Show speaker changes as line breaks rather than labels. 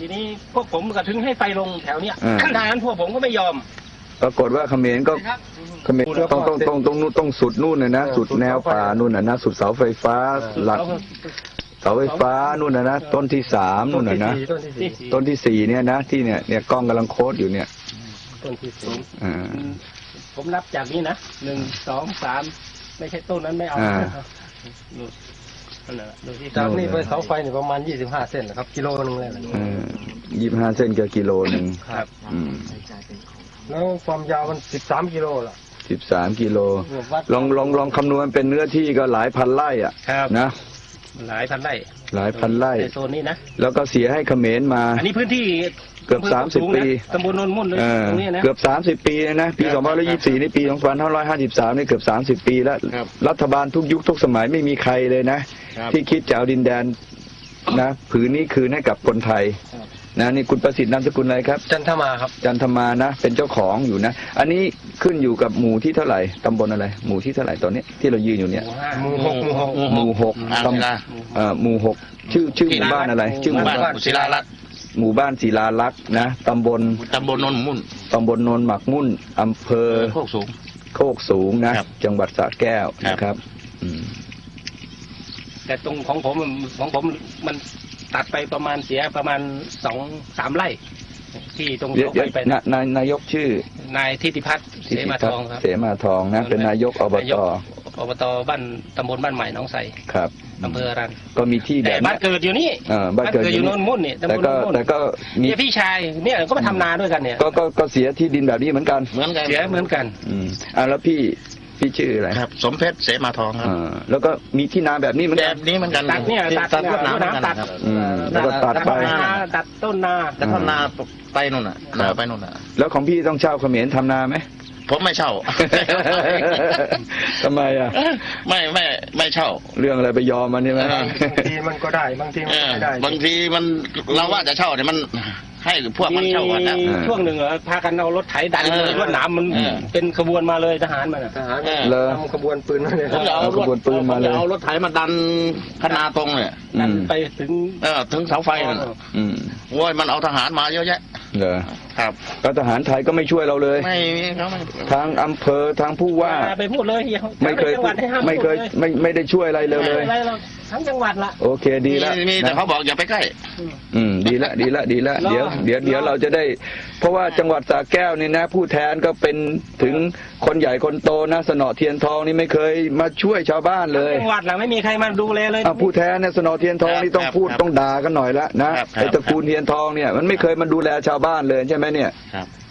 ทีนี้พวกผมก็ถึงให้ไฟลงแถวเนี้ยทางนั้นพวกผมก็ไม่ยอม
ปรากฏว่าเขมรก็เขมรต้องสุดนู่นนะสุดแนวป่านู่นนะสุดเสาไฟฟ้าหลักเสาไฟฟ้านู่นนะต้นที่3นู่นนะต้นที่4เนี่ยนะที่เนี่ยกล้องกำลังโค้ดอยู่เนี่ย
ต้นที่4ผมนับจากนี้นะ1 2 3ไม่ใช่ต้นนั้นไม่เอา
จากนี้ไปเสาไฟเนี่ยประมาณ25 เส้นนะครับกิโลนึงเลย
25 เส้นกับกิโลนึง
ครับ
แล้วความยาวมัน13 กิโลล่ะ
13 กิโลลองคำนวณเป็นเนื้อที่ก็หลายพันไร่อ่ะนะ
หลายพันไร่ในโซนนี้นะ
แล้วก็เสียให้เขมรมา
อันนี้พื้นที่
เกือบ30 ปี
ตำบลโนนมุ่นเลยตรงนี้นะ
เกือบ30 ปีนะปี2524นี่ปี2553นี่เกือบ30 ปีแล้วรัฐบาลทุกยุคทุกสมัยไม่มีใครเลยนะที่คิดจะเอาดินแดนนะผืนนี้คืนให้กับคนไทยนะนี่คุณประสิทธิ์นามสกุลอะไรครับ
จันทมาครับ
จันทมานะเป็นเจ้าของอยู่นะอันนี้ขึ้นอยู่กับหมู่ที่เท่าไหร่ตำบลอะไรหมู่ที่เท่าไหร่ตอนนี้ที่เรายืนอยู่เนี่ย
หมู่
6ตำหมู่6ชื่อหมู่บ้านอะไรชื่อหมู่บ้าน
ศิลาลักษณ์
หมู่บ้านศิลาลักษณ์นะตำบล
โนนมุ่น
ตำบลโนนหมักมุ่นอำเภอ
โคก
สูงนะจังหวัดสระแก้วนะครับ
แต่ตรงของผมมันตัดไปประมาณเสียประมาณ2-3 ไร่ที่ตรงไป
นายกชื่
อนายทิติพัฒน์เสมาทองครับ
เสมาทองนะเป็นนายกอบ
ตบ้านตำบลบ้านใหม่หนองไทร
ครับ
อำเภอรัน
ก็มีที่
แต่บ้านเกิดอยู่นี่บ้านเกิดอยู่โนนมุ่นนี่ตำบลโนนมุ่น
แต่ก็มี
พี่ชายเนี่ยก็มาทำนาด้วยกันเนี่ย
ก็เสียที่ดินแบบนี้เหมือนกัน
เสียเหมือนกัน
แล้วพี่ชื่ออะไร
ครับสมเพชรเสมาทองครับ
แล้วก็มีที่นาแบบนี้เหมือน
กัน
ตัดเนี่ยตัดน้ำตัด
แล้วก็ตัดไป
ตัดต้นนา
ไปนู่นน่ะไปนู่นน่ะ
แล้วของพี่ต้องเช่าเขมรทำนาไหม
ผมไม่เช่า
ทำไมอ่ะ
ไม่เช่า
เรื่องอะไรไปยอมมันใช่ไหม
บางทีมันก็ได้บางทีมันไม่ได้
บางทีมันเราว่าจะเช่าเนี่ยมันให้พวกมันเช่ากันนะ
ช่วงหนึ่งพากันเอารถไถดันเลยรถหนามมันเป็นขบวนมาเลยทหารมัน
เลย
ทำขบวนปืนมาเลย
เอาขบวนปืนมาเลย
เอารถไถมาดันคณาตรงเนี่ย
ดันไป
ถึงเสาไฟนั่นโว้ยมันเอาทหารมาเยอะแยะ
เหรอ
ครับ
ก็ทหารไทยก็ไม่ช่วยเราเลย
เขาไม่
ทางอำเภอทางผู้ว่า
ไปพูดเลย
ไม่ได้ช่วยอะไรเลย
ทั้งจังหวัดละ
โอเคดีแล้ว
มีแต่เขาบอกอย่าไปใกล้
ดีละเดี๋ยวเราจะได้เพราะว่าจังหวัดสระแก้วนี่นะผู้แทนก็เป็นถึงคนใหญ่คนโตนะสนอเทียนทองนี่ไม่เคยมาช่วยชาวบ้านเลย
จังหวัดหลังไม่มีใครมาดูแลเลย
ผู้แทนเนี่ยสนอเทียนทองนี่ต้องพูดต้องด่ากันหน่อยละนะไอ้ตระกูลเทียนทองเนี่ยมันไม่เคยมาดูแลชาวบ้านเลยใช่ไหมเนี่ย